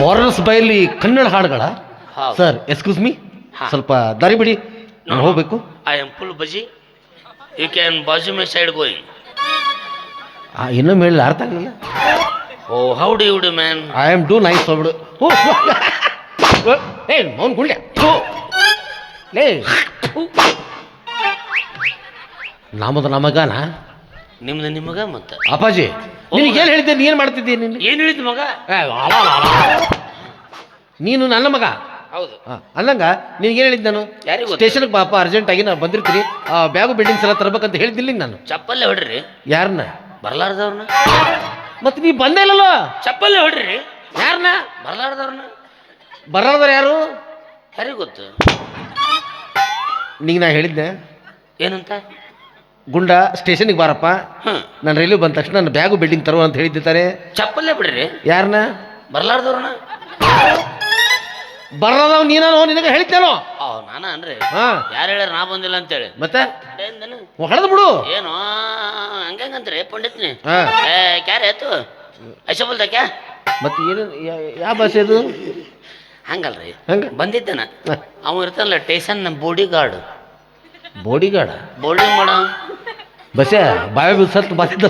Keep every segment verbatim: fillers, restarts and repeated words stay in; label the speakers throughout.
Speaker 1: Foreigners ಬೈಲಿ ಕನ್ನಡ ಹಾಡುಗಳ
Speaker 2: ಹೌದು.
Speaker 1: ಸರ್ ಎಕ್ಸ್ಕ್ಯೂಸ್ ಮೀ
Speaker 2: ಹಾ.
Speaker 1: ಸ್ವಲ್ಪ ದಾರಿ ಬಿಡಿ ನಾನು ಹೋಗ್ಬೇಕು.
Speaker 2: I am full busy you can ಬಾಜು ಮೈ ಸೈಡ್ ಗೋಯಿಂಗ್.
Speaker 1: ಆ, ಇನ್ನೊಮ್ಮೆ ಹೇಳಿ ಅರ್ಥ ಆಗಲಿಲ್ಲ.
Speaker 2: Oh how do you do man.
Speaker 1: I am do nice ಹೋಗ್ಬಿಡು. ಏ ಮೌನ್ ಗುಳ್ಳೆ ಲೇ ನಮ್ಮದು ನಮಗನ
Speaker 2: ನಿಮ್ದು ನಿಮಗ ಮತ್ತೆ
Speaker 1: ಅಪ್ಪಾಜಿ ನಿನಗೆ ಏನು ಹೇಳಿದ್ದೆ ನೀನು ಮಾಡ್ತಿದ್ದೆ ನೀನು
Speaker 2: ಏನು ಹೇಳಿದ್ ಮಗ.
Speaker 1: ಏ, ಅಲ, ಅಲ, ಅಲ. ನೀನು ನನ್ನ ಮಗ
Speaker 2: ಹೌದು
Speaker 1: ಹಾಂ ಅಂದಂಗ ನಿನಗೇನು ಹೇಳಿದ್ದು ನಾನು
Speaker 2: ಯಾರಿಗೂ ಗೊತ್ತು?
Speaker 1: ಸ್ಟೇಷನ್ಗೆ ಪಾಪ ಅರ್ಜೆಂಟಾಗಿ ನಾನು ಬಂದಿರ್ತೀನಿ ಆ ಬ್ಯಾಗು ಬಿಲ್ಡಿಂಗ್ಸ್ ಎಲ್ಲ ತರ್ಬೇಕಂತ ಹೇಳಿದ್ದಿಲ್ಲ ನಾನು.
Speaker 2: ಚಪ್ಪಲ್ಲೇ ಹೊಡ್ರಿ
Speaker 1: ಯಾರನ್ನ
Speaker 2: ಬರ್ಲಾರ್ದವ್ರನ್ನ.
Speaker 1: ಮತ್ತೆ ನೀ ಬಂದೇ ಇಲ್ಲಲ್ಲ.
Speaker 2: ಚಪ್ಪಲ್ಲೇ ಹೊಡ್ರಿ
Speaker 1: ಯಾರನ್ನ
Speaker 2: ಬರ್ಲಾರ್ದವ್ರನ್ನ.
Speaker 1: ಬರೋದ್ರ ಯಾರು
Speaker 2: ಯಾರಿಗೂ ಗೊತ್ತು.
Speaker 1: ನಿಂಗೆ ನಾ ಹೇಳಿದ್ದೆ
Speaker 2: ಏನಂತ.
Speaker 1: ಗುಂಡ ಸ್ಟೇಷನ್ಗೆ ಬಾರಪ್ಪ
Speaker 2: ಹ್ಮ್
Speaker 1: ನಾನು ರೈಲ್ವೆ ಬಂದ ತಕ್ಷಣ ನನ್ನ ಬ್ಯಾಗು ಬಿಲ್ಡಿಂಗ್ ತರುವ ಅಂತ ಹೇಳಿದ್ದಾರೆ.
Speaker 2: ಚಪ್ಪಲ್ಲೇ ಬಿಡ್ರಿ
Speaker 1: ಯಾರನ್ನ
Speaker 2: ಬರ್ಲಾರ್ದವ್ರನ್ನ.
Speaker 1: ಬರೋದವ್ ನೀನೋ ನಿನಗೆ ಹೇಳ್ತೇನೋ.
Speaker 2: ಓ ನಾನ ಅನ್ರಿ
Speaker 1: ಹಾ
Speaker 2: ಯಾರು ಹೇಳ್ಯಾರ ನಾ ಬಂದಿಲ್ಲ ಅಂತೇಳಿ.
Speaker 1: ಮತ್ತೆ
Speaker 2: ಏನ್
Speaker 1: ಹೊಡೆದು ಬಿಡು.
Speaker 2: ಏನು ಹಂಗಂಗಂತ್ರಿ ಪಂಡಿತ್ನಿ.
Speaker 1: ಹಾ
Speaker 2: ಏ ಕ್ಯಾರೆ ಆಯ್ತು ಐಸ ಬೋಲ್ತಾ ಕ್ಯಾ.
Speaker 1: ಮತ್ತೆ ಏನು ಯಾವ ಭಾಷೆ ಅದು
Speaker 2: ಹಂಗಲ್ರಿ
Speaker 1: ಹಂಗ
Speaker 2: ಬಂದಿದ್ದೇನ ಅವ ಇರ್ತಾನಲ್ಲ station body guard.
Speaker 1: Body guard
Speaker 2: boarding ಮಾಡೋ
Speaker 1: ಬಸ್ಸೆ ಬಾವಿ ಬಿಸತ್ ಬಸ್ದ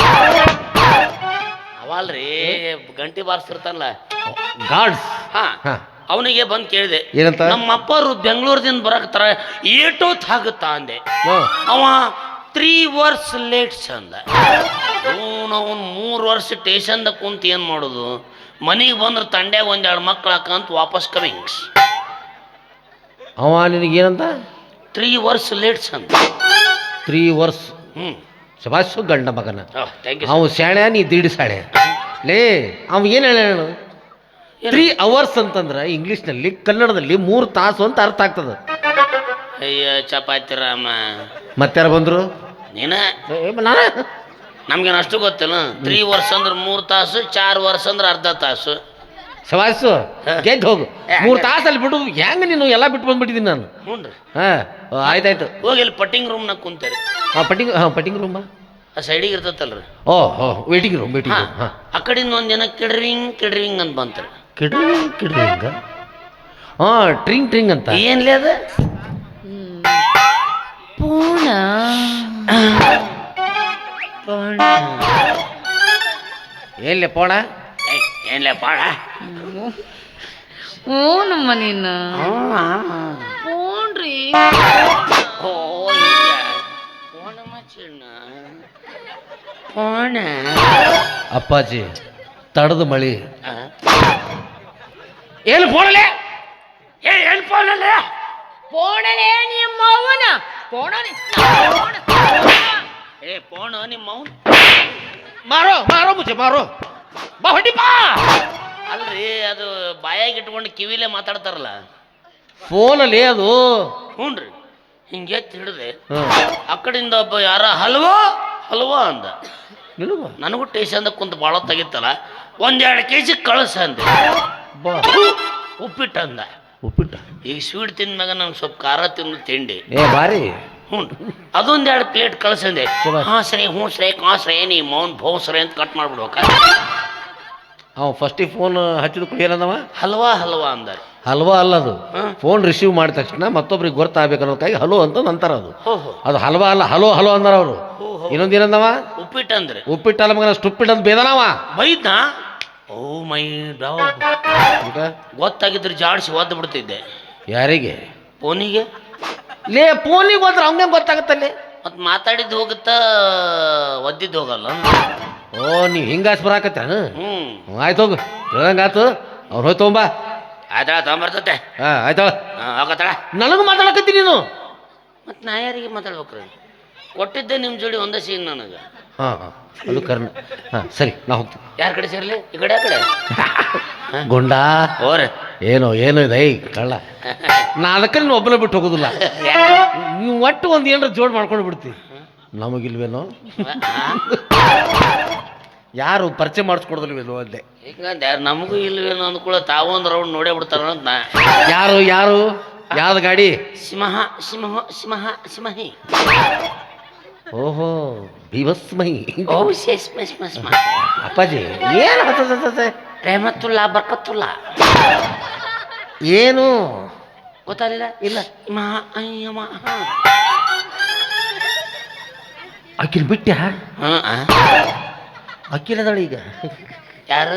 Speaker 2: ಅವಲ್ರಿ ಗಂಟಿ ಬಾರಿಸ್ತಿರ್ತಾನಲ್ಲ
Speaker 1: ಗಾರ್ಡ್ಸ್.
Speaker 2: ಹಾ
Speaker 1: ಹಾ
Speaker 2: ಅವನಿಗೆ ಬಂದು ಕೇಳಿದೆ
Speaker 1: ಏನಂತ?
Speaker 2: ನಮ್ಮ ಅಪ್ಪರು ಬೆಂಗಳೂರದಿಂದ ಬರಕತ್ತಾರ ಏಟೋತ್ ಆಗುತ್ತಾ ಅಂದೆ.
Speaker 1: ಹಾ.
Speaker 2: ಅವ ತ್ರೀ ವರ್ಷ ಲೇಟ್ಸ್ ಅಂದ. ಅವನು ಮೂರು ವರ್ಷ ಸ್ಟೇಷನ್ದಾಗ ಕುಂತ ಏನು ಮಾಡೋದು, ಮನೆಗೆ ಬಂದ್ರೆ ತಂಡ್ಯಾಗ ಒಂದೆರಡು ಮಕ್ಳು ಹಾಕಂತ ವಾಪಸ್ ಕಮಿಂಗ್ಸ್.
Speaker 1: ಅವ ನಿನಗೇನಂತ
Speaker 2: ತ್ರೀ ವರ್ಷ ಲೇಟ್ಸ್ ಅಂತ.
Speaker 1: ತ್ರೀ ವರ್ಷ
Speaker 2: ಹ್ಞೂ
Speaker 1: ಶಬಾಷು ಗಂಡ ಮಗನ.
Speaker 2: Thank you.
Speaker 1: ಅವ ಶಾಣೆ ನೀ ದೀಡ್ ಶಾಣೆ ಲೇ. ಅವ ಏನು ಹೇಳ ತ್ರೀ ಅವರ್ಸ್ ಅಂತಂದ್ರೆ ಇಂಗ್ಲೀಷ್ನಲ್ಲಿ ಕನ್ನಡದಲ್ಲಿ ಮೂರು ತಾಸು ಅಂತ ಅರ್ಥ ಆಗ್ತದೆ.
Speaker 2: ಅಯ್ಯ ಚಪಾತಿ ರಾಮ
Speaker 1: ಮತ್ತಾರು ಬಂದರು
Speaker 2: ನೀನ
Speaker 1: ನಾನ
Speaker 2: ನಮ್ಗೇನು ಅಷ್ಟು ಗೊತ್ತಿಲ್ಲ. ತ್ರೀ ವರ್ಷ ಅಂದ್ರೆ ಮೂರು ತಾಸು, ಚಾರ್ ವರ್ಷ ಅಂದ್ರೆ ಅರ್ಧ ತಾಸು.
Speaker 1: ಶಬಾಷು ಗೆದ್ದು ಹೋಗು. ಮೂರು ತಾಸಲ್ಲಿ ಬಿಡು ಹೆಂಗೆ ನೀನು ಎಲ್ಲ ಬಿಟ್ಟು ಬಂದ್ಬಿಟ್ಟಿದ್ದೀನಿ ನಾನು.
Speaker 2: ಹ್ಞೂ ರೀ
Speaker 1: ಹಾಂ ಆಯ್ತಾಯ್ತು.
Speaker 2: ಹೋಗಿ ಇಲ್ಲಿ ಪಟ್ಟಿಂಗ್ ರೂಮ್ನಾಗ ಕುಂತೇರಿ.
Speaker 1: ಹಾಂ ಪಟ್ಟಿಂಗ್ ಹಾಂ ಪಟ್ಟಿಂಗ್ ರೂಮ
Speaker 2: ಆ ಸೈಡಿಗೆ ಇರ್ತೈತಲ್ರಿ.
Speaker 1: ಓ ಹೋ ವೇಟಿಂಗ್ ರೂಮ್ ವೇಟಿಂಗ್ ರೂಮ್. ಹಾಂ
Speaker 2: ಆ ಕಡೆಯಿಂದ ಒಂದು ಜನ ಕಿಡ್ರಿಂಗ್ ಕಿಡ್ರಿಂಗ್ ಅಂತ ಬಂತಾರೆ.
Speaker 1: ಕಿಡ್ರಿ ಕಿಡ್ರಿ ಹಿಂಗ ಹಾಂ ಟ್ರಿಂಗ್ ಟ್ರಿಂಗ್ ಅಂತ
Speaker 2: ಏನ್ಲಿ ಅದ
Speaker 3: ಪೂಣ
Speaker 1: ಎಲ್ಲಿ ಪೋಣ
Speaker 2: ಏನ್ಲೇ ಪಾಡ.
Speaker 3: ಹ್ಞೂ ನಮ್ಮ ನೀನು ಪೂಣ್ರಿ.
Speaker 2: ಓ ಇಲ್ಲ ಪೋಣ ಮಚ್ಚಣ್ಣ ಪೋಣ.
Speaker 1: ಅಪ್ಪಾಜಿ ತಡದ ಮಳಿ
Speaker 2: ಏನು ಪೋಣಲೆ ಏ ಏನು ಪೋಣಲೆ
Speaker 3: ಪೋಣನೇ ನಿಮ್ಮ ಅವನ ಪೋಣನೆ
Speaker 2: ಏ ಪೋಣ ನಿಮ್ಮ ಅವ್ನು
Speaker 1: ಮಾರೋ ಮಾರೋ ಮುಚ್ಚೆ ಮಾರೋ ಬಾ ಹೊಡಿ ಬಾ.
Speaker 2: ಅಲ್ರಿ ಅದು ಬಾಯಾಗಿ ಇಟ್ಕೊಂಡು ಕಿವಿಲೇ ಮಾತಾಡ್ತಾರಲ್ಲ
Speaker 1: ಫೋನಲ್ಲಿ ಅದು.
Speaker 2: ಹ್ಞೂ ರೀ ಹಿಂಗೆ ಎತ್ತಿ ಹಿಡಿದೆ
Speaker 1: ಹಾಂ
Speaker 2: ಆ ಕಡೆಯಿಂದ ಒಬ್ಬ ಯಾರ ಹಲ್ವಾ ಹಲ್ವಾ ಅಂದ.
Speaker 1: ನಿನಗ
Speaker 2: ನನಗೂ ಟೇಷನ್ದಾಗ ಕುಂತು ಭಾಳ ತೆಗಿತ್ತಲ್ಲ ಒಂದೆರಡು ಕೆ ಜಿ ಕಳಸ ಅಂದೆ.
Speaker 1: ಬಾ
Speaker 2: ಉಪ್ಪಿಟ್ಟು ಅಂದ.
Speaker 1: ಉಪ್ಪಿಟ್ಟ
Speaker 2: ಈಗ ಸ್ವೀಟ್ ತಿಂದ್ಮ್ಯಾಗ ನಂಗೆ ಸ್ವಲ್ಪ ಖಾರ ತಿಂದು ತಿಂಡಿ.
Speaker 1: ಏ ಬಾರಿ
Speaker 2: ಹ್ಞೂ ಅದೊಂದೆರಡು ಪ್ಲೇಟ್ ಕಳ್ಸಂದೆ.
Speaker 1: ಶಭಾಷ್.
Speaker 2: ಹಾಂ ಸರಿ ಹ್ಞೂ ಸರಿ ಕಾ ಸರಿ ನೀ ಮೌನ್ ಭೋ ಸರಿ ಅಂತ ಕಟ್ ಮಾಡ್ಬಿಡ್ಬೇಕ.
Speaker 1: ಅವ ಫಸ್ಟಿಗೆ ಫೋನ್ ಹಚ್ಚಿದ ಕೂಡ ಏನಂದವ
Speaker 2: ಹಲ್ವಾ ಹಲ್ವಾ ಅಂದಾರೆ.
Speaker 1: ಹಲ್ವಾ ಅಲ್ಲದು.
Speaker 2: ಹಾಂ.
Speaker 1: ಫೋನ್ ರಿಸೀವ್ ಮಾಡಿದ ತಕ್ಷಣ ಮತ್ತೊಬ್ರಿಗೆ ಗೊತ್ತಾಗಬೇಕು ಅನ್ನೋದಕ್ಕಾಗಿ ಹಲೋ ಅಂತ ಅಂತಾರ ಅದು.
Speaker 2: ಹೋ ಹೋ
Speaker 1: ಅದು ಹಲ್ವಾ ಅಲ್ಲ ಹಲೋ ಹಲೋ ಅಂದಾರ ಅವರು.
Speaker 2: ಹೋ ಹೋ
Speaker 1: ಇನ್ನೊಂದು ಏನಂದವ
Speaker 2: ಉಪ್ಪಿಟ್ಟು ಅಂದ್ರೆ
Speaker 1: ಉಪ್ಪಿಟ್ಟಲ್ಲ ಮಗನ ಸ್ಟುಪ್ಪಿಟ್ ಅಂತ ಬೇದನವ.
Speaker 2: ಬೈದ್ನಾ. ಓ ಮೈ ಡಾವ್ ಗೊತ್ತಾಗಿದ್ರೆ ಜಾಡಿಸಿ ಒದ್ದು ಬಿಡ್ತಿದ್ದೆ.
Speaker 1: ಯಾರಿಗೆ
Speaker 2: ಫೋನಿಗೆ
Speaker 1: ಲೇ ಫೋನಿಗೆ ಹೋದ್ರೆ ಅವಂಗೆ ಗೊತ್ತಾಗತ್ತಲ್ಲಿ.
Speaker 2: ಮತ್ತು ಮಾತಾಡಿದ್ದು ಹೋಗುತ್ತಾ ಒದ್ದಿದ್ದು ಹೋಗಲ್ಲ.
Speaker 1: ಓ ನೀವು ಹಿಂಗಾಸ್ ಬರಾಕತ್ತ.
Speaker 2: ಹ್ಞೂ
Speaker 1: ಆಯ್ತು ಹೋಗು ಹೇಳ್ದಂಗಾತು. ಅವ್ರು ಹೋಯ್ತು ತೊಗೊಂಬ.
Speaker 2: ಆಯ್ತಾಳ ತೊಗೊಂಬರ್ತತೆ.
Speaker 1: ಹಾಂ ಆಯ್ತಾಳ.
Speaker 2: ಹಾಂ ಹೋಗತ್ತಾಳ.
Speaker 1: ನನಗೂ ಮಾತಾಡಕತ್ತಿ ನೀನು.
Speaker 2: ಮತ್ತು ನಾ ಯಾರಿಗೆ ಮಾತಾಡ್ಬೇಕ್ರಿ ಕೊಟ್ಟಿದ್ದೆ ನಿಮ್ಮ ಜೋಡಿ ಒಂದೇ ಸೀನ್ ನನಗೆ.
Speaker 1: ಹಾಂ ಹಾಂ ಅದು ಕರ್ನ. ಹಾಂ ಸರಿ ನಾ ಹೋಗ್ತೀನಿ.
Speaker 2: ಯಾರ ಕಡೆ ಸೇರ್ಲಿ ಈ ಕಡೆ ಆ ಕಡೆ
Speaker 1: ಗುಂಡ
Speaker 2: ಓರೆ
Speaker 1: ಏನೋ ಏನೋ ಇದೆ ಐ ಕಳ್ಳ. ನಾ ಅದಕ್ಕೆ ನೀನು ಒಬ್ಬನೇ ಬಿಟ್ಟು ಹೋಗೋದಿಲ್ಲ. ನೀವು ಒಟ್ಟು ಒಂದು ಏನಾರ ಜೋಡ್ ಮಾಡ್ಕೊಂಡು ಬಿಡ್ತೀವಿ. ನಮಗಿಲ್ವೇನೋ ಯಾರು ಪರಿಚಯ ಮಾಡಿಸ್ಕೊಡೋದಿಲ್ವೇನೋ ಅಂದೆ.
Speaker 2: ಹಿಂಗಂದ ನಮಗೂ ಇಲ್ವೇನೋ ಅಂದ್ಕೂಡ ತಾವು ಒಂದು ರೌಂಡ್ ನೋಡೇ ಬಿಡ್ತಾರ ಅಂತ ನಾ.
Speaker 1: ಯಾರು ಯಾರು ಯಾವ್ದು ಗಾಡಿ
Speaker 2: ಸಿಂಹ ಸಿಂಹ ಸಿಂಹ ಸಿಂಹಿ.
Speaker 1: ಓಹೋ ಭೀಭಸ್ಮೈ.
Speaker 2: ಓ ಶೇಷ್ ಮಸ್ ಮಸ್
Speaker 1: ಅಪ್ಪಾಜಿ ಏನು ಹತ್ತದ
Speaker 2: ರೆಹಮತ್ತುಲ್ಲಾ ಬರ್ಕತ್ತುಲ್ಲಾ
Speaker 1: ಏನು
Speaker 2: ಗೊತ್ತಾಗಲಿಲ್ಲ ಇಲ್ಲ ಮಾ ಅಯ್ಯ ಮಾ
Speaker 1: ಅಕ್ಕಿನ ಬಿಟ್ಟ
Speaker 2: ಹಾಂ
Speaker 1: ಅಕ್ಕಿಲದಳ ಈಗ
Speaker 2: ಯಾರು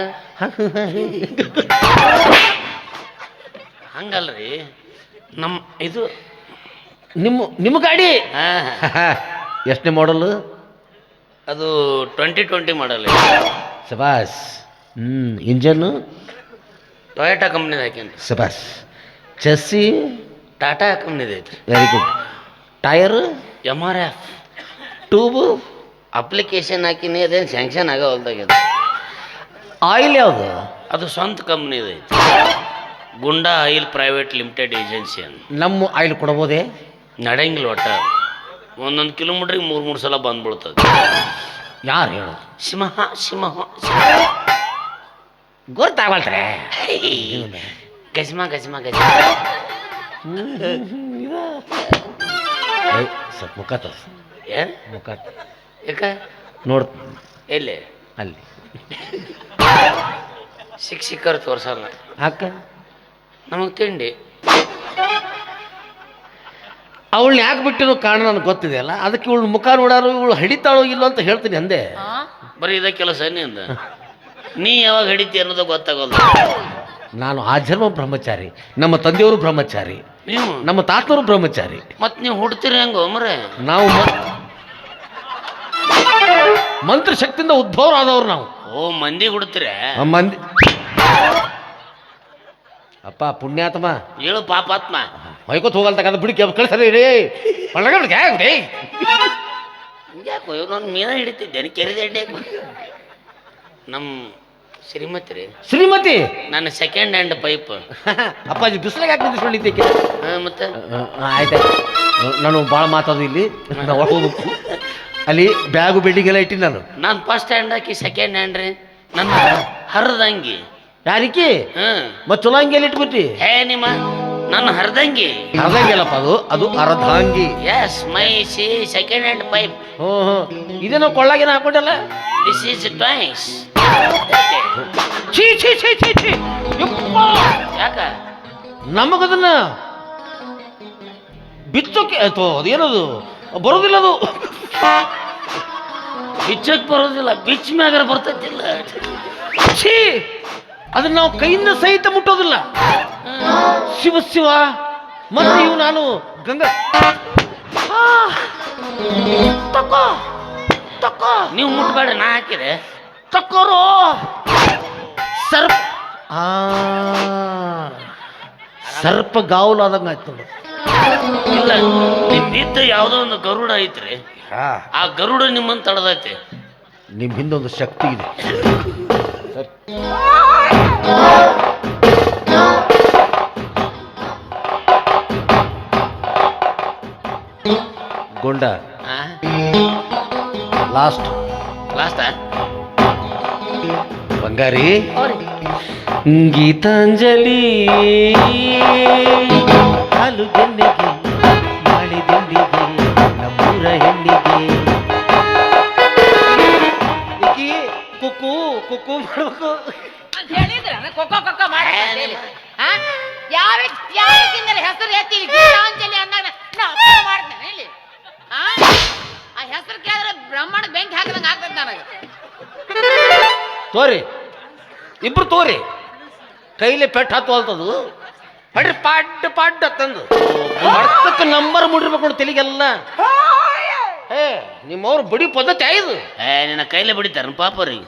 Speaker 2: ಹಂಗಲ್ರಿ ನಮ್ಮ ಇದು
Speaker 1: ನಿಮ್ಮ ನಿಮ್ಮ ಗಾಡಿ
Speaker 2: ಹಾಂ
Speaker 1: ಎಷ್ಟನೇ ಮಾಡಲು
Speaker 2: ಅದು ಟ್ವೆಂಟಿ ಟ್ವೆಂಟಿ ಮಾಡಲ್
Speaker 1: ಸಬಾಸ್ ಹ್ಞೂ ಇಂಜನ್ನು
Speaker 2: ಟೊಯೋಟಾ ಕಂಪ್ನಿದ ಹಾಕೇನ್ರಿ
Speaker 1: ಸಬಾಸ್ ಚೆಸ್ಸಿ
Speaker 2: ಟಾಟಾ ಕಂಪ್ನಿದ ಐತ್ರಿ
Speaker 1: very good tyre
Speaker 2: M R F
Speaker 1: tube
Speaker 2: application ಹಾಕಿನಿ ಅದೇನು ಸ್ಯಾಂಕ್ಷನ್ ಆಗೋ ಹೊಲ್ದಾಗ್ಯದ
Speaker 1: ಆಯಿಲ್ ಯಾವುದು
Speaker 2: ಅದು ಸ್ವಂತ ಕಂಪ್ನಿದ ಐತಿ Gunda oil private limited agency ಅಂತ
Speaker 1: ನಮ್ಮ ಆಯಿಲ್ ಕೊಡ್ಬೋದೇ
Speaker 2: ನಡೆಯಂಗಿಲ್ಲ ಒಟ್ಟ ಒಂದೊಂದು ಕಿಲೋಮೀಟ್ರಿಗೆ ಮೂರು ಮೂರು ಸಲ ಬಂದ್ಬಿಡ್ತದೆ
Speaker 1: ಯಾರು ಹೇಳು
Speaker 2: ಸಿಂಹ ಸಿಂಹ
Speaker 1: ಗೊತ್ತಾಗಲ್ತ್ರೆ
Speaker 2: ಗಜ್ಮ ಗಜ್ಮ ಗಜ್ಮ
Speaker 1: ಸ್ವಲ್ಪ ಮುಖ ತೋರ್ಸ
Speaker 2: ಏ
Speaker 1: ಮುಖ
Speaker 2: ಯಾಕ
Speaker 1: ನೋಡ್
Speaker 2: ಎಲ್ಲಿ
Speaker 1: ಅಲ್ಲಿ
Speaker 2: ಶಿಕ್ಷಕರು ತೋರ್ಸಲ್ಲ
Speaker 1: ಹಾಕ
Speaker 2: ನಮಗೆ ತಿಂಡಿ
Speaker 1: ಅವಳನ್ನ ಯಾಕೆ ಬಿಟ್ಟಿರೋ ಕಾರಣ ನನಗೆ ಗೊತ್ತಿದೆ ಅಲ್ಲ ಅದಕ್ಕೆ ಇವಳು ಮುಖ ನೋಡಾರು ಇವಳು ಹಿಡಿತಾಳೋ ಇಲ್ಲೋ ಅಂತ ಹೇಳ್ತೀನಿ ಅಂದೆ
Speaker 2: ಬರೀ ಇದ ಕೆಲಸ ನೀ ಅಂದ ನೀ ಯಾವಾಗ ಹಿಡಿತಿ ಅನ್ನೋದು ಗೊತ್ತಾಗಲ್ಲ
Speaker 1: ನಾನು ಆ ಜನ್ಮ ಬ್ರಹ್ಮಚಾರಿ ನಮ್ಮ ತಂದೆಯವರು ಬ್ರಹ್ಮಚಾರಿ
Speaker 2: ನೀವು
Speaker 1: ನಮ್ಮ ತಾತನವರು ಬ್ರಹ್ಮಚಾರಿ
Speaker 2: ಮತ್ ನೀವು ಹುಡ್ತೀರಿ ಹೆಂಗೋ ಮರೆ
Speaker 1: ನಾವು ಮ- ಮಂತ್ರ ಶಕ್ತಿಯಿಂದ ಉದ್ಭವರಾದವ್ರು ನಾವು
Speaker 2: ಓ ಮಂದಿ ಹುಡ್ತೀರ
Speaker 1: ಆ ಮಂದಿ ಅಪ್ಪ ಪುಣ್ಯಾತ್ಮ
Speaker 2: ಹೇಳು ಪಾಪಾತ್ಮ
Speaker 1: ಹೊಯ್ಕೋತ್ ಹೋಗಲ್ತಕ್ಕಂಥ ಬಿಡಿ ಕಳಿಸರಿ ರೇ ಒಳಗಡೆ
Speaker 2: ಯಾಕೋ ನಾನು ಮೀನ ಹಿಡಿತಿದ್ದೇನೆ ಕೆರೆದ ಎಡ್ಡೆ ನಮ್ಮ ಶ್ರೀಮತಿ ರೀ
Speaker 1: ಶ್ರೀಮತಿ
Speaker 2: ನನ್ನ ಸೆಕೆಂಡ್ ಹ್ಯಾಂಡ್ ಪೈಪ್
Speaker 1: ಅಪ್ಪಾಜಿ ಬಿಸಿಲಾಗ ಯಾಕೆ ನಿಂದಿಸ್ಕೊಂಡಿದ್ದಕ್ಕೆ
Speaker 2: ಮತ್ತೆ
Speaker 1: ಆಯ್ತಾಯ್ತು ನಾನು ಭಾಳ ಮಾತಾಡೋದು ಇಲ್ಲಿ ನಾವು ಒಳಗೆ ಹೋಗ್ಬೇಕು ಅಲ್ಲಿ ಬ್ಯಾಗು ಬಿಲ್ಡಿಂಗ್ ಎಲ್ಲ ಇಟ್ಟಿನಿ ನಾನು
Speaker 2: ನಾನು ಫಸ್ಟ್ ಹ್ಯಾಂಡ್ ಹಾಕಿ ಸೆಕೆಂಡ್ ಹ್ಯಾಂಡ್ ರೀ ನನ್ನ ಹರಿದಂಗಿ
Speaker 1: ಯಾರಿಕಿ
Speaker 2: ಹ್ಮ್
Speaker 1: ಮತ್ತೆ ಚಲೋ ಹಂಗೆಲ್ಲ ಇಟ್ಬಿಟ್ಟಿ
Speaker 2: ಹೇ ನಿಮ್ಮ ನನ್ನ ಹರಿದಂಗಿ
Speaker 1: ಅರ್ಧಂಗಿಲ್ಲಪ್ಪ ಅದು ಅದು ಅರ್ಧಾಂಗಿ
Speaker 2: ಎಸ್ ಮೈ ಸಿ ಸೆಕೆಂಡ್ ಹ್ಯಾಂಡ್ ಪೈಪ್
Speaker 1: ಹ್ಞೂ ಹ್ಞೂ ಇದೇನೋ ಕೊಳ್ಳಾಗೇನು ಹಾಕೊಂಡಲ್ಲ
Speaker 2: ದಿಸ್ ಈಸ್ ಟ್ವೈಸ್
Speaker 1: ಛೀ ಛೀ ಛೀ ಛೀ ಛೀ ಯಪ್ಪಾ!
Speaker 2: ಯಾಕ
Speaker 1: ನಮಗದನ್ನ ಬಿಚ್ಚೋಕೆ ಅಥವಾ ಅದೇನದು ಬರೋದಿಲ್ಲ ಅದು
Speaker 2: ಬಿಚ್ಚಕ್ ಬರೋದಿಲ್ಲ ಬಿಚ್ ಮ್ಯಾಗಾರ ಬರ್ತೈತಿಲ್ಲ
Speaker 1: ಛೀ ಅದನ್ನ ನಾವು ಕೈಯಿಂದ ಸಹಿತ ಮುಟ್ಟೋದಿಲ್ಲ ಶಿವ ಶಿವ ಮತ್ತೆ ಇವು ನಾನು ಗಂಗಾ ಆ! ತಕೋ ತಕೋ
Speaker 2: ನೀವು ಮುಟ್ಬೇಡ್ರಿ ನಾ ಹಾಕಿದೆ
Speaker 1: ತಕ್ಕೋರು ಸರ್ಪ ಆ ಸರ್ಪ ಗಾವಲು ಆದಂಗ ಆಯ್ತು ನೋಡು.
Speaker 2: ಇಲ್ಲ ನಿಮ್ಮಿದ್ದ ಯಾವುದೋ ಒಂದು ಗರುಡ ಐತ್ರಿ ಆ ಗರುಡ ನಿಮ್ಮನ್ನು ತಡದೈತಿ
Speaker 1: ನಿಮ್ ಹಿಂದೊಂದು ಶಕ್ತಿ ಇದೆ ಗೊಂಡ ಲಾಸ್ಟ್
Speaker 2: ಲಾಸ್ಟ
Speaker 1: ಬಂಗಾರಿ ಗೀತಾಂಜಲಿ ಹಾಲು ಗೆನ್ನೆಗೆ ಮಾಡಿ ದಿಂಡಿಗೆ ನಮ್ಮೂರ ಹೆಣ್ಣಿಗೆ ಈಕಿ ಕುಕ್ಕು ಕುಕ್ಕು ಮಾಡ್ಬೇಕು
Speaker 3: ಹೇಳಿದ್ರ ಕೊಕ್ಕೋ ಕೊಕ್ಕೋ ಮಾಡಿ ಯಾವ ಯಾವಕ್ಕಿಂದಲೇ ಹೆಸರು ಎತ್ತಿ ಗೀತಾಂಜಲಿ ಅಂದಾಗ ನಾ ಅಪ್ಪ ಮಾಡ್ತೇನೆ ಇಲ್ಲಿ ಆ ಆ ಹೆಸರು ಕೇಳಿದ್ರೆ ಬ್ರಹ್ಮಾಂಡ ಬೆಂಕಿ ಹಾಕಿದಂಗೆ ಆಗ್ತದೆ ನನಗೆ
Speaker 1: ತೋರಿ ಇಬ್ರು ತೋರಿ ಕೈಲಿ ಪೆಟ್ಟು ಹತ್ತುವಲ್ತದು ಹೊಡ್ರಿ ಪಾಡ್ ಪಾಡ್ ತಂದು ಅರ್ಥಕ್ಕೆ ನಂಬರ್ ಮುಡಿರ್ಬೇಕು ನೋಡಿ ತೆಲಿಗೆಲ್ಲ ಏ ನಿಮ್ಮವ್ರು ಬಡಿ ಪದ್ಧತಿ ಆಯ್ದು
Speaker 2: ಏ ನಿನ್ನ ಕೈಲೇ ಬಿಡಿತಾರ ಪಾಪರಿ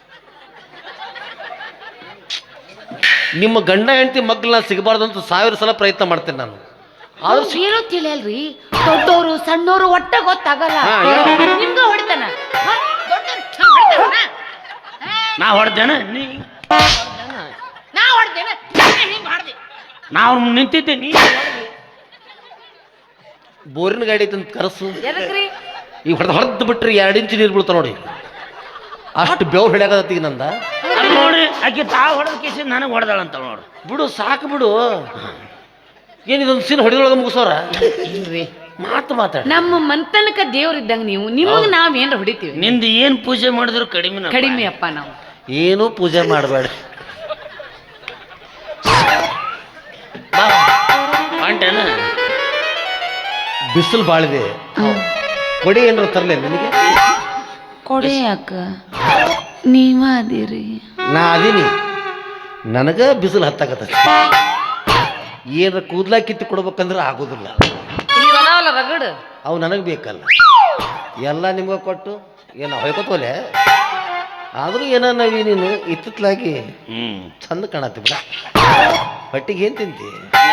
Speaker 1: ನಿಮ್ಮ ಗಂಡ ಹೆಂಡತಿ ಮಗ್ಳನ್ನ ಸಿಗಬಾರ್ದು ಅಂತ ಸಾವಿರ ಸಲ ಪ್ರಯತ್ನ ಮಾಡ್ತೇನೆ ನಾನು ಆದ್ರೂ ಸಿ-
Speaker 3: ಏನೋ ತಿಳಿಯಲ್ರಿ ದೊಡ್ಡವರು ಸಣ್ಣವರು ಒಟ್ಟ ಗೊತ್ತಾಗಲ್ಲ
Speaker 1: ಹಾ, ಹೇಳು.
Speaker 3: ನಿಮ್ಗ ಹೊಡಿತಾನ ಹಾ, ದೊಡ್ಡೋರು ಹಂಗ್ ಹೊಡಿತಾನ? ಹಾ,
Speaker 2: ನಾ ಹೊಡೆದೇನ ನೀ
Speaker 3: ನಾ ಹೊಡ್ದೇನ ಹಿಂಗ್ ಹೊಡ್ದೆ
Speaker 2: ನಾವು ನಿಂತಿದ್ದೆ ನೀ
Speaker 1: ಬೋರಿನ ಗಾಡಿ ಐತೆ ಅಂತ ಕರಸು
Speaker 3: ಎದಕ್ರಿ
Speaker 1: ಈಗ ಹೊಡೆದು ಹೊಡೆದು ಬಿಟ್ರಿ ಎರಡು ಇಂಚು ನೀರು ಬೀಳ್ತಾವ ನೋಡಿ ಅಷ್ಟು ಬೆವ್ರು ಹಿಡಿಯಾಕತ್ತೀಗ ನಂದ
Speaker 2: ಅಲ್ಲಿ ನೋಡಿ ಆಕೆ ತಾ ಹೊಡೆದ ಕೇಸಿ ನನಗೆ ಹೊಡೆದಾಳಂತ ನೋಡು
Speaker 1: ಬಿಡು ಸಾಕು ಬಿಡು ಏನಿದೊಂದು ಸೀನ್ ಹೊಡೆದೊಳಗೆ ಮುಗಿಸೋರ
Speaker 3: ಇಲ್ರಿ
Speaker 1: ಮಾತು ಮಾತಾಡ
Speaker 3: ನಮ್ಮ ಮಂತನಕ ದೇವ್ರಿದ್ದಂಗ ನೀವು ನಿಮಗ್ ನಾವ್ ಏನ್ರ ಹೊಡಿತೀವಿ
Speaker 2: ನಿಂದು ಏನು ಪೂಜೆ ಮಾಡಿದ್ರು ಕಡಿಮೆ
Speaker 3: ಕಡಿಮೆ ಅಪ್ಪ ನಾವು
Speaker 1: ಏನೂ ಪೂಜೆ ಮಾಡಬೇಡ
Speaker 2: ಹೊಂಟೇನ
Speaker 1: ಬಿಸಿಲು ಬಾಳಿದೆ, ಕೊಡಿ ಏನಾರ ತರಲೇ ನಿನಗೆ?
Speaker 3: ಕೊಡಿ ಅಕ್ಕ, ನೀವ ಅದೀರಿ.
Speaker 1: ನಾ ಅದೀನಿ, ನನಗ ಬಿಸಿಲು ಹತ್ತಾಕತ್ತ. ಏನಾರ ಕೂದ್ಲಾ ಕಿತ್ತು ಕೊಡ್ಬೇಕಂದ್ರೆ ಆಗೋದಿಲ್ಲ.
Speaker 3: ಇಲ್ಲಿ ಅದಾವಲ್ಲ ರಗಡ್,
Speaker 1: ಅವು ನನಗೆ ಬೇಕಲ್ಲ. ಎಲ್ಲ ನಿಮ್ಗೆ ಕೊಟ್ಟು ಏನೋ ಹೊಯ್ಕೋತೋಲೆ, ಆದರೂ ಏನೋ ನಾವಿ ನೀನು ಇತ್ತಿತ್ಲಾಗಿ
Speaker 2: ಹ್ಞೂ
Speaker 1: ಚಂದ ಕಾಣತ್ತಿ ಬಿಡ. ಹೊಟ್ಟಿಗೆ ಏನು ತಿಂತಿ?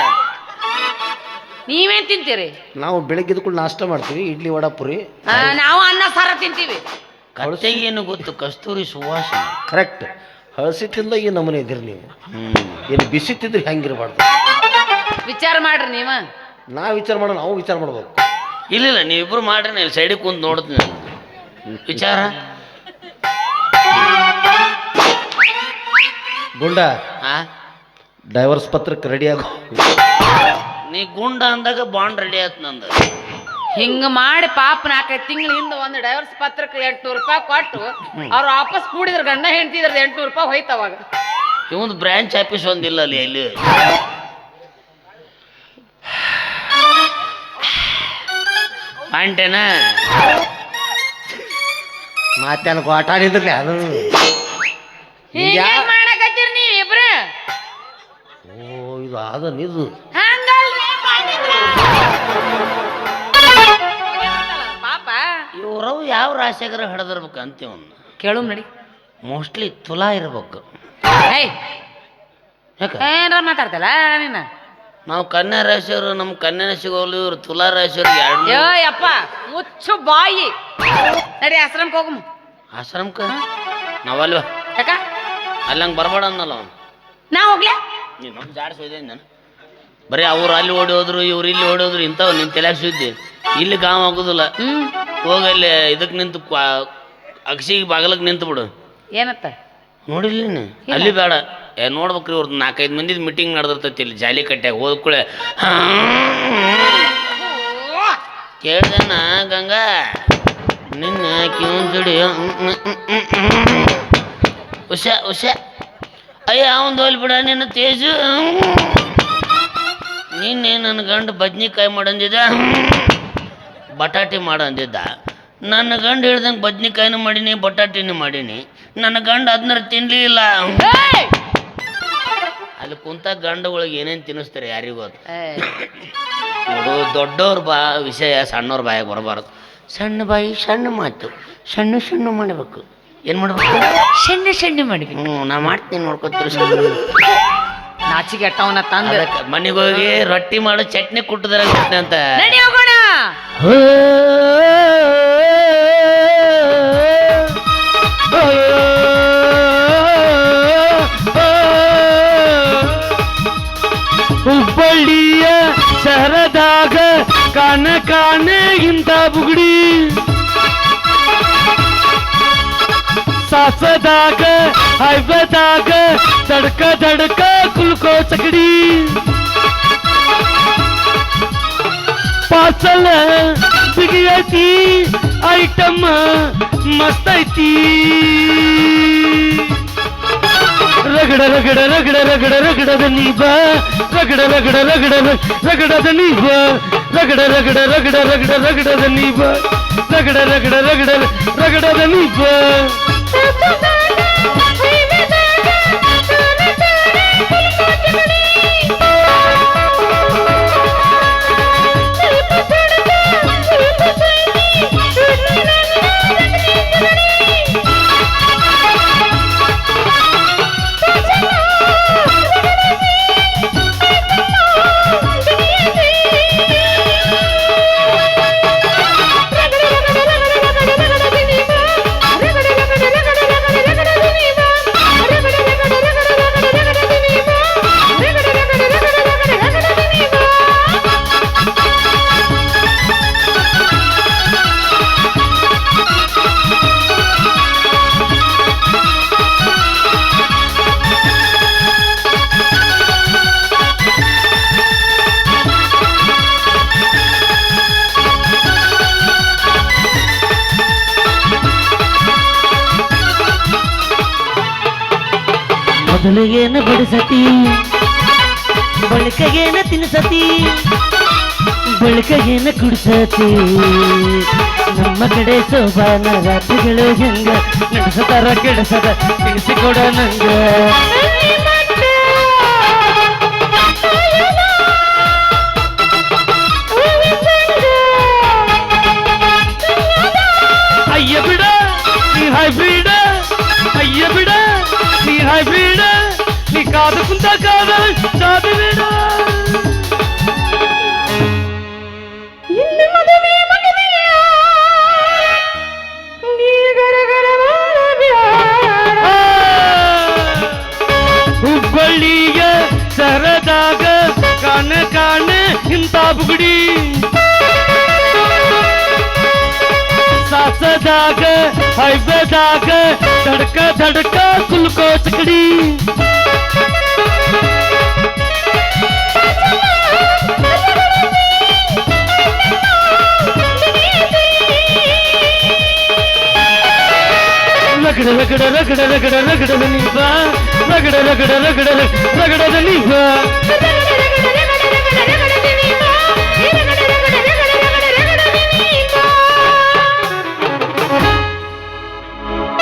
Speaker 3: ನೀವೇನ್ ತಿಂತೀರಿ?
Speaker 1: ನಾವು ಬೆಳಗ್ಗೆ ಎದ್ಕೊಂಡು ನಾಷ್ಟ ಮಾಡ್ತೀವಿ, ಇಡ್ಲಿ ವಡಾ ಪುರಿ.
Speaker 3: ಆ, ನಾವು ಅನ್ನ ಸಾರ ತಿಂತೀವಿ.
Speaker 2: ಕತ್ತೆಗೆ ಏನು ಗೊತ್ತು? ಕಸ್ತೂರಿ ಸುವಾಸನೆ.
Speaker 1: ಕರೆಕ್ಟ್. ಹಳಸಿ ತಿಂದ ಈ ನಮೂನೆ ಇದ್ದೀರಿ ನೀವು.
Speaker 2: ಹ್ಞೂ
Speaker 1: ಏನು ಬಿಸಿ ತಿಂದ್ರೆ ಹೆಂಗಿರಬಾರ್ದು.
Speaker 3: ವಿಚಾರ ಮಾಡ್ರಿ ನೀವ.
Speaker 1: ನಾ ವಿಚಾರ ಮಾಡೋ, ನಾವು ವಿಚಾರ ಮಾಡ್ಬೇಕು.
Speaker 2: ಇಲ್ಲ ನೀವಿಬ್ರು ಮಾಡ್ರಿ, ನಾನು ಸೈಡಿಗೆ ಕುಂತು ನೋಡ್ತೀನಿ ವಿಚಾರ.
Speaker 1: ಗುಂಡ
Speaker 2: ಆ
Speaker 1: ಡೈವರ್ಸ್ ಪತ್ರಕ್ಕೆ ರೆಡಿ ಆಗೋ.
Speaker 2: ನೀ ಗುಂಡ ಅಂದಾಗ ಬಾಂಡ್ ರೆಡಿ ಆಯ್ತು ನಂದು.
Speaker 3: ಹಿಂಗ ಮಾಡಿ ಪಾಪ ನಾಲ್ಕೈದು ತಿಂಗಳ ಹಿಂದೆ ಒಂದು ಡೈವರ್ಸ್ ಪತ್ರಕ್ಕೆ ಎಂಟ್ನೂರು ರೂಪಾಯಿ ಕೊಟ್ಟು ಅವ್ರು ವಾಪಸ್ ಕೂಡಿದ್ರು, ಗಂಡ ಹೆಂಡ್ತಿದ್ರ ಎಂಟ್ನೂರು ರೂಪಾಯಿ ಹೋಯ್ತು ಅವಾಗ.
Speaker 2: ಇವೊಂದು ಬ್ರಾಂಚ್ ಆಫೀಸ್ ಒಂದಿಲ್ಲ ಅಲ್ಲಿ ಎಲ್ಲಿ. ಅಂಟೇನಾ
Speaker 1: ಮಾತೇನು ಆಟ ಆಡಿದ್ರಲ್ಲ ಅದು.
Speaker 3: ಹೀಗೇನ್ ಮಾಡಕತ್ತೀರಿ ನೀವ್ ಇಬ್ರು?
Speaker 1: ಓ ಇದು ಅದ ಇದು
Speaker 3: ಹಂಗಲ್ರಿ ಮಾಡಿದ್ರ. ಪಾಪ
Speaker 2: ಇವ್ರವು ಯಾವ ರಾಶಿಯಾಗರ ಹಿಡಿದಿರ್ಬೇಕು ಅಂತೀವನ್ನ
Speaker 3: ಕೇಳು ನಡಿ.
Speaker 2: ಮೋಸ್ಟ್ಲಿ ತುಲಾ ಇರ್ಬೇಕು.
Speaker 3: ಏಯ್
Speaker 2: ಯಾಕ
Speaker 3: ಏನಾರ ಮಾತಾಡ್ತಲ್ಲ ನೀನ?
Speaker 2: ನಾವು ಕನ್ಯಾ ರಾಶಿಯವರು, ನಮ್ಮ ಕನ್ಯಾ ರಾಶಿಗೋಲು, ಇವ್ರು ತುಲಾ ರಾಶಿಯವ್ರಿಗೆ ಎರಡು.
Speaker 3: ಯೋ ಯಪ್ಪ ಮುಚ್ಚು ಬಾಯಿ. ನಡಿ ಆಶ್ರಮಕ್ಕೆ ಹೋಗಮ್ಮ.
Speaker 2: ಆಶ್ರಮಕ್ಕೆ ನಾವಲ್ವ?
Speaker 3: ಯಾಕ
Speaker 2: ಅಲ್ಲಂಗೆ ಬರಬೇಡ ಅನ್ನಲ್ಲ ಅವನು.
Speaker 3: ನಾ ಹೋಗ್ಲಾ?
Speaker 2: ನೀನು ನಮ್ಮ ಜಾಡ್ಸೋದೆ ನಾನು. ಬರೀ ಅವ್ರು ಅಲ್ಲಿ ಓಡಿ ಹೋದ್ರು, ಇವ್ರು ಇಲ್ಲಿ ಓಡಿ ಹೋದ್ರು, ಇಂಥವು ನಿನ್ನ ತಲೆಯಾಗ ಸುದ್ದಿ. ಇಲ್ಲಿ ಗಾಮ್ ಆಗೋದಿಲ್ಲ.
Speaker 3: ಹ್ಮ್
Speaker 2: ಹೋಗಲ್ಲಿ ಇದಕ್ಕೆ ನಿಂತು ಅಗಸಿಗೆ ಬಾಗಲಕ್ಕೆ ನಿಂತು ಬಿಡು.
Speaker 3: ಏನತ್ತ
Speaker 2: ನೋಡಿಲ್ಲ ನೀನು? ಅಲ್ಲಿ ಬೇಡ, ಏ ನೋಡ್ಬೇಕ್ರಿ ಅವ್ರದ್ದು ನಾಲ್ಕೈದು ಮಂದಿದ ಮೀಟಿಂಗ್ ನಡೆದಿರ್ತೈತಿ ಇಲ್ಲಿ ಜಾಲಿ ಕಟ್ಟ್ಯಾಗ. ಹೋದ್ಕೂಳೆ ಕೇಳ್ದಣ್ಣ ಗಂಗಾ ನಿನ್ನ ಕಿವನ್ ಜೋಡಿ ಉಷ ಉಷ ಅಯ್ಯ ಅವನ್ ಹೋಲ್ ಬಿಡ ನಿನ್ನ ತೇಜು. ನಿನ್ನೆ ನನ್ನ ಗಂಡು ಬದ್ನಿಕಾಯಿ ಮಾಡಂದಿದ್ದ, ಬಟಾಟೆ ಮಾಡಂದಿದ್ದ. ನನ್ನ ಗಂಡು ಹೇಳ್ದಂಗೆ ಬದ್ನಿಕಾಯಿನೂ ಮಾಡೀನಿ, ಬಟಾಟಿನೂ ಮಾಡೀನಿ. ನನ್ನ ಗಂಡು ಅದನ್ನ ತಿನ್ಲಿ ಇಲ್ಲ. ಅಲ್ಲಿ ಕುಂತ ಗಂಡುಗಳಿಗೆ ಏನೇನು ತಿನ್ನಿಸ್ತಾರೆ ಯಾರಿಗೂ ಅದು. ನೋಡು ದೊಡ್ಡವ್ರ ಬಾ ವಿಷಯ ಸಣ್ಣವ್ರ ಬಾಯಾಗ ಬರಬಾರ್ದು. ಸಣ್ಣ ಬಾಯಿ ಸಣ್ಣ ಮಾತು, ಸಣ್ಣ ಸಣ್ಣ ಮಾಡಬೇಕು. ಏನು ಮಾಡ್ಬೇಕು?
Speaker 3: ಸಣ್ಣ ಸಣ್ಣ ಮಾಡಿದ್ವಿ.
Speaker 2: ಹ್ಞೂ ನಾ ಮಾಡ್ತೀನಿ, ನೋಡ್ಕೊತೀರಿ.
Speaker 3: ನಾಚಿಗೆ ಅಟ್ಟವನ್ನ ತಂದ
Speaker 2: ಮನೆಗೆ ಹೋಗಿ ರೊಟ್ಟಿ ಮಾಡೋ ಚಟ್ನಿ ಕುಟ್ಟದ್ರ ಅಂತ
Speaker 3: ನಡಿ ಹೋಗೋಣ.
Speaker 4: ಹುಬ್ಬಳ್ಳಿಯ ಶಹರದಾಗ ಕಾನ ಕಾನೆ ಇಂತ ಬುಗುಡಿ, ಸಾಸದಾಗ ಹೈವೇದಾಗ ದಡ್ಕ ದಡ್ಕ ಕುಲ್ಕೋ ಚಕಡಿ, ಪಾರ್ಸಲ್ ಬಿಗಿಯೈತಿ ಐಟಮ್ ಮಸ್ತ್ ಐತಿ. ರಗಡ ರಗಡ ರಗಡ ರಗಡ ರಗಡದ ನೀಬ, ರಗಡ ರಗಡ ರಗಡ ರಗಡದ ನೀಬ, ರಗಡ ರಗಡ ರಗಡ ರಗಡ ರಗಡದ ನೀಬ, ರಗಡ ರಗಡ ರಗಡ ರಗಡದ ನೀಬ. ಮೊದಲಿಗೇನು ಬಿಡಿಸತಿ ಬಳಿಕಗೇನ ತಿನ್ಸತಿ ಬಳಿಕಗೇನ ಕುಡ್ಸತಿ ನಮ್ಮ ಕಡೆ ಸೋಬಾನ ರಾತ್ರಿಗಳು ಹೆಂಗ ನಡೆಸತಾರ ಕೆಡಸದ ತಿಳಿಸಿಕೊಡ ನಂಗ ಅಯ್ಯ ಬಿಡ ನೀ ಹೈಬ್ರಿಡ್ ಅಯ್ಯ ಬಿಡ ನೀ ಹೈಬ್ರಿಡ್ ನೀ ಕಾದು ಕುಂತ ಕಾದ ಕಾದು ಬಿಡ ಹುಬ್ಬಳ್ಳಿಯ ಸರದಾಗ ಕಾಣ ಕಾಣ ಇಂತ ಬುಗುಡಿ ಸಾಸದಾಗ ಹೈವೇದಾಗ ಧಡ್ಕ ಧಡ್ಕ ಕುಲ್ಕೋ ಚಕಡಿ ರಗಡ ರಗಡ ರಗಡ ರಗಡ ರಗಡದ ನೀವ ರಗಡ ರಗಡ ರಗಡ ರಗಡದ ನೀವ